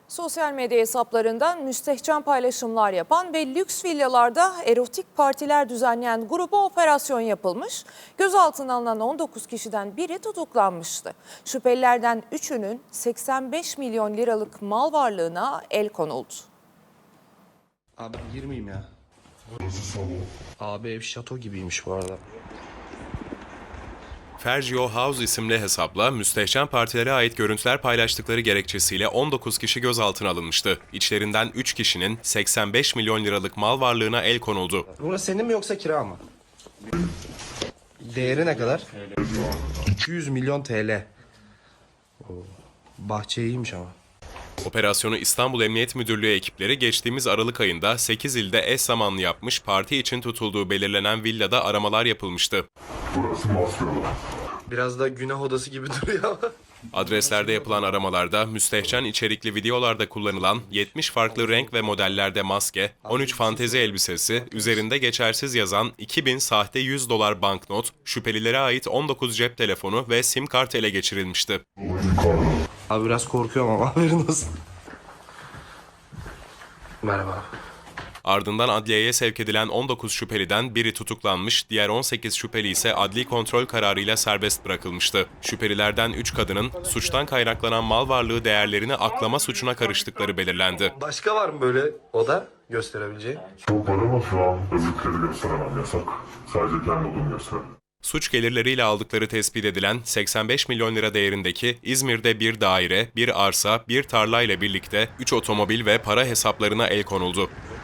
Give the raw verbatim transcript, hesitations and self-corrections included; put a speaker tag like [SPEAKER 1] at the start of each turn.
[SPEAKER 1] Sosyal medya hesaplarından müstehcen paylaşımlar yapan ve lüks villalarda erotik partiler düzenleyen gruba operasyon yapılmış. Gözaltına alınan on dokuz kişiden biri tutuklanmıştı. Şüphelilerden üçünün seksen beş milyon liralık mal varlığına el konuldu.
[SPEAKER 2] Abi girmeyeyim ya. Abi ev şato gibiymiş bu arada.
[SPEAKER 3] Fergio House isimli hesapla müstehcen partilere ait görüntüler paylaştıkları gerekçesiyle on dokuz kişi gözaltına alınmıştı. İçlerinden üç kişinin seksen beş milyon liralık mal varlığına el konuldu.
[SPEAKER 2] Burası senin mi yoksa kira mı? Değeri ne kadar? iki yüz milyon T L. Oo, bahçe iyiymiş ama.
[SPEAKER 3] Operasyonu İstanbul Emniyet Müdürlüğü ekipleri geçtiğimiz Aralık ayında sekiz ilde eş zamanlı yapmış, parti için tutulduğu belirlenen villada aramalar yapılmıştı.
[SPEAKER 4] Burası Mosfilm.
[SPEAKER 2] Biraz da günah odası gibi duruyor.
[SPEAKER 3] Adreslerde yapılan aramalarda müstehcen içerikli videolarda kullanılan yetmiş farklı renk ve modellerde maske, on üç fantezi elbisesi, üzerinde geçersiz yazan iki bin sahte yüz dolar banknot, şüphelilere ait on dokuz cep telefonu ve sim kart ele geçirilmişti.
[SPEAKER 2] Abi biraz korkuyorum ama haberin olsun. Merhaba.
[SPEAKER 3] Ardından adliyeye sevk edilen on dokuz şüpheliden biri tutuklanmış, diğer on sekiz şüpheli ise adli kontrol kararıyla serbest bırakılmıştı. Şüphelilerden üç kadının suçtan kaynaklanan mal varlığı değerlerini aklama suçuna karıştıkları belirlendi.
[SPEAKER 2] Başka var mı böyle oda gösterebileceği?
[SPEAKER 4] Çok var ama şu an öbürleri gösteremem, yasak. Sadece kendi odamı gösterelim.
[SPEAKER 3] Suç gelirleriyle aldıkları tespit edilen seksen beş milyon lira değerindeki İzmir'de bir daire, bir arsa, bir tarla ile birlikte üç otomobil ve para hesaplarına el konuldu.